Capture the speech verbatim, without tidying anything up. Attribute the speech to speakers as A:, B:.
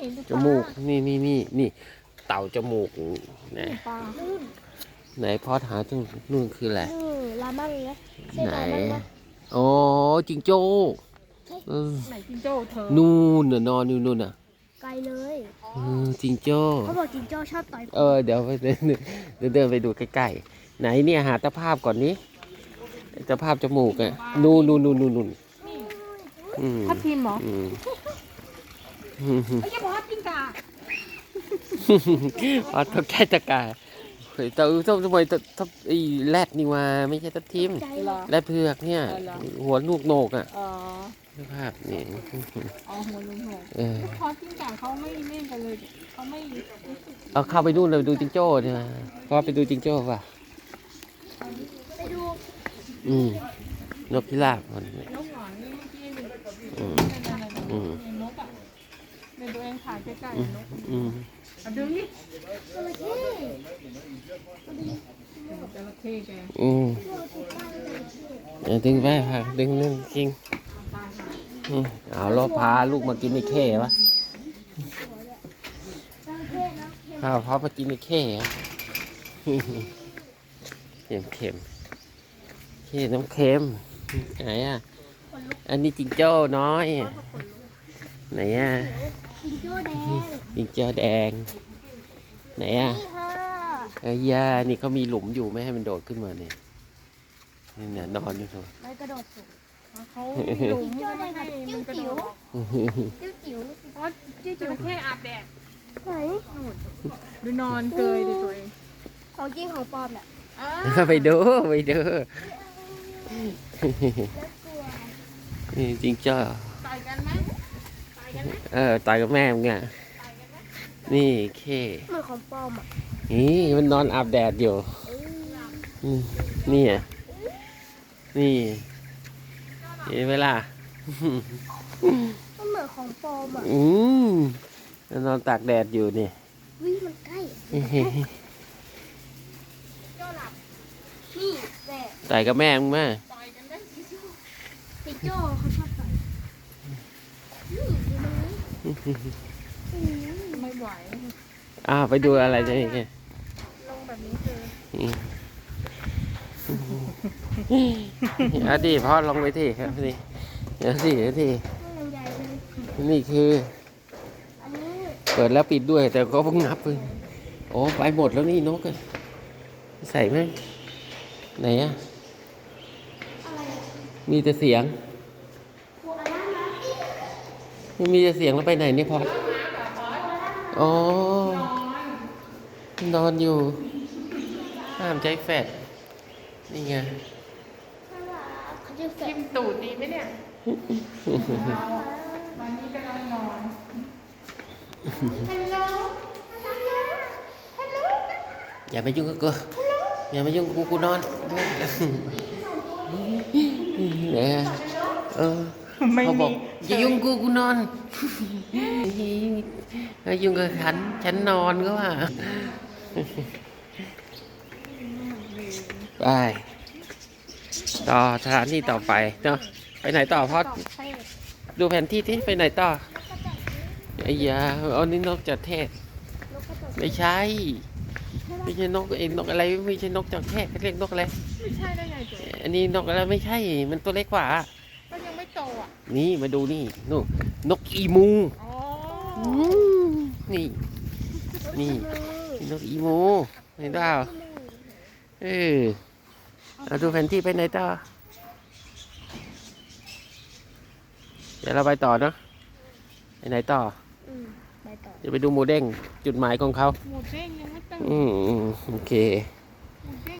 A: จมูกนี่นี่นี่นี่เต่าจมูกไหนไหนพอหาตรงนู่นคืออะไร
B: ลาบ้างนะ
A: ไหนโอ้จิงโจ้
C: ไหนจิงโจ้เธอ
A: นู่นน่ะนอนอยู่นู่นน่ะ
B: ไกลเลย
A: จิงโจ้
B: เขาบอกจิงโจ้ชอบต่อย
A: เออเดี๋ยวไปเดินเดินเดินไปดูใกล้ๆไหนเนี่ยหาตะภาพก่อนนี้ตะภาพจมูกอ่ะนู่นนู่นนู่นนู่นนู่น
C: ทับทิมเหรอ
A: ไม่
C: ใช่พอจิงกา
A: อ๋อทับแค่ตะกาเฮ้ยแต่ทำไมทับไอ้แรดนี่ว่าไม่ใช่ทับทิมแรดเผือกเนี่ยหัวลูกโหนกอ่ะภาพนี่
C: อ๋อหัวลูกโหนกพอจิงกาเขาไม่เล่นกันเลยเขาไม่
A: เอาเข้าไปดูเลยดูจิงโจ้ใช่ไหมพอไปดูจิงโจ้ป่ะ
B: ไปดู
A: อืมนกพิราบมัน
C: นกหวานนี่เมื่อกี้นกอ่ะเป็นตัวเองถ่ายใกล้ๆนก
A: อืม
C: ดึงนี่
B: จระเข้
C: จระเข้แก
A: อืมดึงไปค่ะดึงนึงจริงเอาล้อพาลูกมากินไอ้เข้วะข้าวพอมากินไอ้เข้เค็มเค็มเค็มน้ำเค็มไหนอ่ะอันนี้จิงโจ้น้อยไหนอ่ะ
B: จิงโจ้แดง
A: จิงโจ้แดงไหนอ่ะไอ้ยานี่เขามีหลุมอยู่ไม่ให้มันโดดขึ้นมาเนี่ยนี่เนี่ยนอนอยู่ตรง
B: ไม่กระโดดสูง
C: เขาหลุมก็ไม่ให้มันกระโดด
B: จิ้วจิ๋ว
C: เพราะจิ้วจิ๋วแค่อาบแดด
B: ไหน
C: ดูนอนเกยดิตัวเอง
B: ของจริงของปลอมแหละ
A: ไปดูไปดูนี่จริงจ้า
C: ต่อยกันไหมต่อยกันไหม
A: เออต่อยกับแม่มึงอ่ะนี่เค
B: เหมือนของปลอมอ่ะ
A: นี่มันนอนอาบแดดอยู่นี่อ่ะนี่เห็นเวลา
B: มันเหมือนของปลอมอ่ะ
A: อืมมันนอนตากแดดอยู่นี่
B: วิ่งมันใกล้นี่แม่
A: ต่อยกับแม่มึงมา
B: จิงโจ้เขาชอบต่อย
C: ไม่ไหว
A: อ้าวไปดูอะไรจะอีกเนี่ย
C: ลงแบบนี้คือ
A: เอาดิพ่อลงไปที่ครับนี่เดี๋ยวสิเดี๋ยวสินี่คือเปิดแล้วปิดด้วยแต่ก็เพิ่งนับเลยโอ้ไปหมดแล้วนี่นกอะใส่ไหมไหนอะมีแต่เสียงไม่มีแต่เสียงแล้วไปไหนเนี่ยพออ๋อนอนอยู่ห้ามใจแฟดนี่ไง
C: ทิมตูดดีไหมเนี่ยวันนี้กำลังนอนฮัลโหลฮัลโหลฮัลโหล
A: อย่าไปยุ่งกับกูอย่ามายุ่งกับกูกูนอนเนี่ยเออเขาบอกอย่ายุ่งกูกูนอนอย่ายุ่งกับฉันฉันนอนก็ว่าไปต่อสถานที่ต่อไปเนาะไปไหนต่อพอดดูแผนที่ที่ไปไหนต่อไอ้ยาเอานี่นกจัดเทศไม่ใช่ไม่ใช่นกเองนกอะไรไม่ใช่นกจัดเทศเรียกนกอะไร
C: ไม่ใช่ได้ไงเจ๊
A: อันนี้นกอะไรไม่ใช่มันตัวเล็กกว่า
C: ก็ยังไม่โตอ่ะ
A: นี่มาดูนี่นู่นนกอีมูนี่นี่นกอีมูเห็นเปล่าเออเราดูแผนที่ไปไหนต่อเดี๋ยวเราไปต่อเนาะไปไหนต่อจะไปดูหมูเด้งจุดหมายของเขา
C: หมูเด้งยังไม่ตั้ง
A: อืมโอเค